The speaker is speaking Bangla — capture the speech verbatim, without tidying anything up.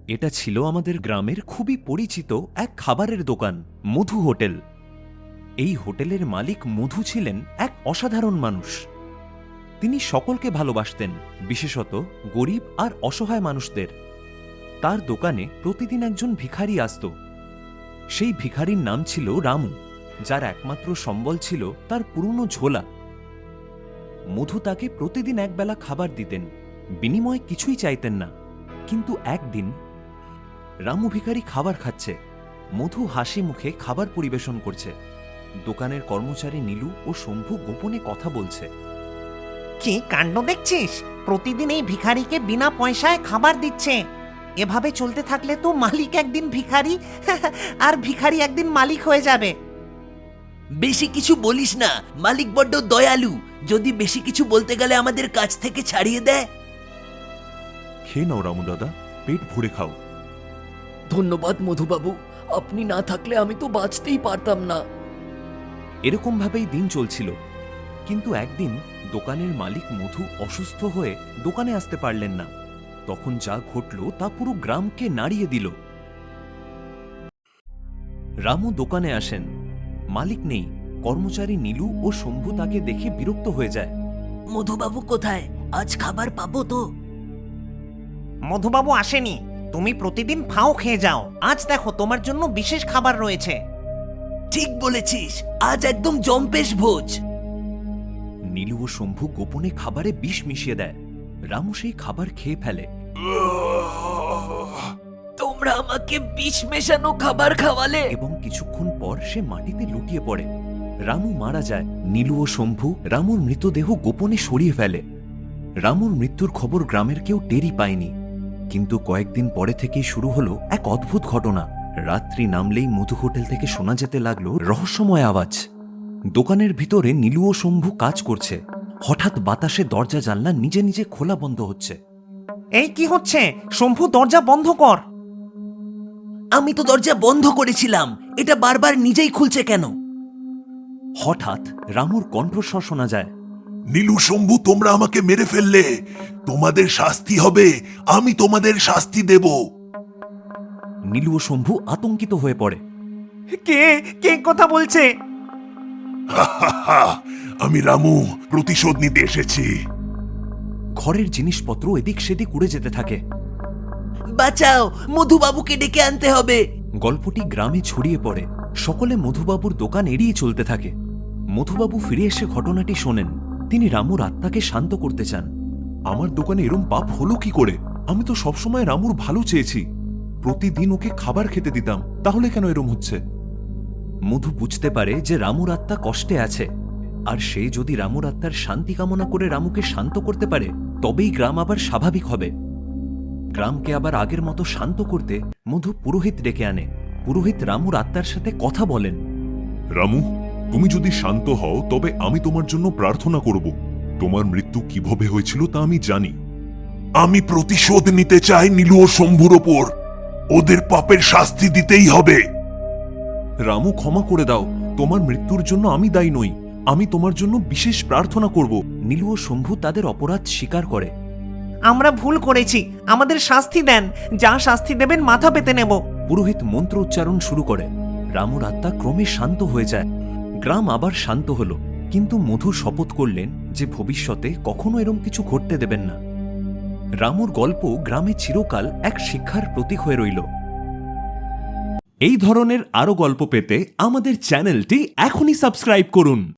এটা ছিল আমাদের গ্রামের খুবই পরিচিত এক খাবারের দোকান, মধু হোটেল। এই হোটেলের মালিক মধু ছিলেন এক অসাধারণ মানুষ। তিনি সকলকে ভালোবাসতেন, বিশেষত গরিব আর অসহায় মানুষদের। তার দোকানে প্রতিদিন একজন ভিখারি আসত। সেই ভিখারির নাম ছিল রামু, যার একমাত্র সম্বল ছিল তার পুরনো ঝোলা। মধু তাকে প্রতিদিন একবেলা খাবার দিতেন, বিনিময়ে কিছুই চাইতেন না। কিন্তু একদিন রামু ভিখারি খাবার খাচ্ছে, মধু হাসি মুখে খাবার পরিবেশন করছে। দোকানের কর্মচারী নীলু ও শম্ভু গোপনে কথা বলছে। কি কাণ্ড দেখছিস? প্রতিদিন এই ভিখারিকে বিনা পয়সায় খাবার দিচ্ছে। এভাবে চলতে থাকলে তো মালিক একদিন ভিখারি আর ভিখারি একদিন মালিক হয়ে যাবে। বেশি কিছু বলিস না, মালিক বড্ড দয়ালু। যদি বেশি কিছু বলতে গেলে আমাদের কাছ থেকে ছাড়িয়ে দেয়। খেয়ে নাও রামু দাদা, পেট ভরে খাও। ধন্যবাদ মধুবাবু, আপনি না থাকলে আমি তো বাঁচতেই পারতাম না। এরকম ভাবেই দিন চলছিল। কিন্তু একদিন দোকানের মালিক মধু অসুস্থ হয়ে দোকানে আসতে পারলেন না। তখন যা ঘটল তা পুরো গ্রামকে নাড়িয়ে দিল। রামু দোকানে আসেন, মালিক নেই। কর্মচারী নীলু ও শম্ভু তাকে দেখে বিরক্ত হয়ে যায়। মধুবাবু কোথায়? আজ খাবার পাবো তো? মধুবাবু আসেনি। তুমি প্রতিদিন ফাও খেয়ে যাও। আজ দেখো তোমার জন্য বিশেষ খাবার রয়েছে। ঠিক বলেছিস, আজ একদম জম্পেশ ভোজ। নীলু ও শম্ভু গোপনে খাবারে বিষ মিশিয়ে দেয়। রামু সেই খাবার খেয়ে ফেলে। তোমরা আমাকে বিষ মেশানো খাবার খাওয়ালে। এবং কিছুক্ষণ পর সে মাটিতে লুটিয়ে পড়ে। রামু মারা যায়। নীলু ও শম্ভু রামুর মৃতদেহ গোপনে সরিয়ে ফেলে। রামুর মৃত্যুর খবর গ্রামের কেউ টেরই পায়নি। কিন্তু কয়েকদিন পরে থেকেই শুরু হলো এক অদ্ভুত ঘটনা। রাত্রি নামলেই মধু হোটেল থেকে শোনা যেতে লাগলো রহস্যময় আওয়াজ। দোকানের ভিতরে নীলু ও শম্ভু কাজ করছে। হঠাৎ বাতাসে দরজা জানলা নিজে নিজে খোলা বন্ধ হচ্ছে। এই কি হচ্ছে? শম্ভু, দরজা বন্ধ কর। আমি তো দরজা বন্ধ করেছিলাম, এটা বারবার নিজেই খুলছে কেন? হঠাৎ রামুর কণ্ঠস্বর শোনা যায়। নীলু, শম্ভু, তোমরা আমাকে মেরে ফেললে। তোমাদের শাস্তি হবে, আমি তোমাদের শাস্তি দেব। নীলু ও শম্ভু আতঙ্কিত হয়ে পড়ে। কে কে কথা বলছে? আমি রামু, প্রতিশোধ নিতে এসেছি। ঘরের জিনিসপত্র এদিক সেদিক উড়ে যেতে থাকে। বাঁচাও, মধুবাবুকে ডেকে আনতে হবে। গল্পটি গ্রামে ছড়িয়ে পড়ে। সকলে মধুবাবুর দোকান এড়িয়ে চলতে থাকে। মধুবাবু ফিরে এসে ঘটনাটি শোনেন। তিনি রামুর আত্মাকে শান্ত করতে চান। আমার দোকানে এরম পাপ হলো কি করে? আমি তো সবসময় রামুর ভালো চেয়েছি, প্রতিদিন ওকে খাবার খেতে দিতাম, তাহলে কেন এরম হচ্ছে? মধু বুঝতে পারে যে রামুর আত্মা কষ্টে আছে, আর সে যদি রামুর আত্মার শান্তি কামনা করে রামুকে শান্ত করতে পারে, তবেই গ্রাম আবার স্বাভাবিক হবে। গ্রামকে আবার আগের মতো শান্ত করতে মধু পুরোহিত ডেকে আনে। পুরোহিত রামুর আত্মার সাথে কথা বলেন। রামু, তুমি যদি শান্ত হও তবে আমি তোমার জন্য প্রার্থনা করব। তোমার মৃত্যু কিভাবে হয়েছিল তা আমি জানি। আমি প্রতিশোধ নিতে চাই নীলু ও শম্ভুর ওপর। ওদের পাপের শাস্তি দিতেই হবে। রামু, ক্ষমা করে দাও, তোমার মৃত্যুর জন্য আমি দায়ী নই। আমি তোমার জন্য বিশেষ প্রার্থনা করব। নীলু ও শম্ভু তাদের অপরাধ স্বীকার করে। আমরা ভুল করেছি, আমাদের শাস্তি দেন। যা শাস্তি দেবেন মাথা পেতে নেব। পুরোহিত মন্ত্র উচ্চারণ শুরু করে। রামুর আত্মা ক্রমে শান্ত হয়ে যায়। গ্রাম আবার শান্ত হলো। কিন্তু মধু শপথ করলেন যে ভবিষ্যতে কখনো এরম কিছু ঘটতে দেবেন না। রামুর গল্প গ্রামে চিরকাল এক শিক্ষার প্রতীক হয়ে রইল। এই ধরনের আরো গল্প পেতে আমাদের চ্যানেলটি এখনই সাবস্ক্রাইব করুন।